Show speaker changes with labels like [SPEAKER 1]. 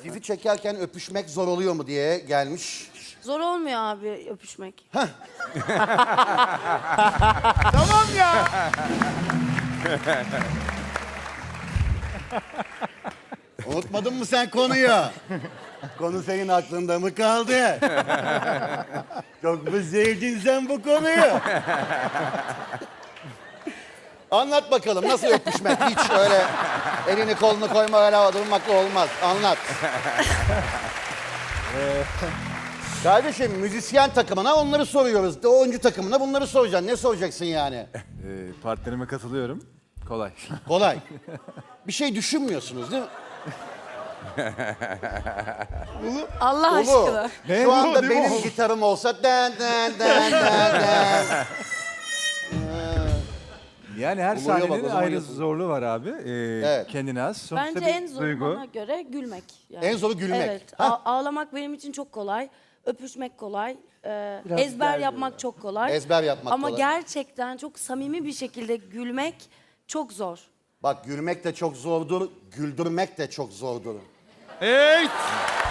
[SPEAKER 1] Dizi çekerken öpüşmek zor oluyor mu diye gelmiş.
[SPEAKER 2] Zor olmuyor abi öpüşmek.
[SPEAKER 3] Tamam ya.
[SPEAKER 1] Unutmadın mı sen konuyu? Konu senin aklında mı kaldı? Çok mu sevdin sen bu konuyu? Anlat bakalım nasıl öpüşmek? Hiç öyle elini kolunu koyma öyle havada durmakla olmaz. Anlat. Kardeşim müzisyen takımına onları soruyoruz. Oyuncu takımına bunları soracaksın. Ne soracaksın yani?
[SPEAKER 3] Partnerime katılıyorum. Kolay.
[SPEAKER 1] Kolay. Bir şey düşünmüyorsunuz değil mi?
[SPEAKER 2] Allah
[SPEAKER 1] Ulu,
[SPEAKER 2] aşkına.
[SPEAKER 3] Ne
[SPEAKER 1] şu
[SPEAKER 3] bu,
[SPEAKER 1] anda
[SPEAKER 3] değil mi
[SPEAKER 1] benim
[SPEAKER 3] o?
[SPEAKER 1] gitarım olsa den den den den den.
[SPEAKER 3] Yani her
[SPEAKER 1] Oluyor bak, o
[SPEAKER 3] sahnenin
[SPEAKER 1] zaman
[SPEAKER 3] ayrı
[SPEAKER 1] yapın.
[SPEAKER 3] zorluğu var abi.
[SPEAKER 1] Evet.
[SPEAKER 3] Kendine az. Sonuçta
[SPEAKER 2] Bence
[SPEAKER 3] bir
[SPEAKER 2] en zoru
[SPEAKER 3] duygu.
[SPEAKER 2] bana göre gülmek. Yani.
[SPEAKER 1] En zoru gülmek.
[SPEAKER 2] Evet.
[SPEAKER 1] Ha?
[SPEAKER 2] Ağlamak benim için çok kolay. Öpüşmek kolay. Ezber yapmak çok kolay.
[SPEAKER 1] Ezber yapmak
[SPEAKER 2] Ama
[SPEAKER 1] kolay.
[SPEAKER 2] gerçekten çok samimi bir şekilde gülmek çok zor.
[SPEAKER 1] Bak gülmek de çok zordur, güldürmek de çok zordur.
[SPEAKER 4] Evet.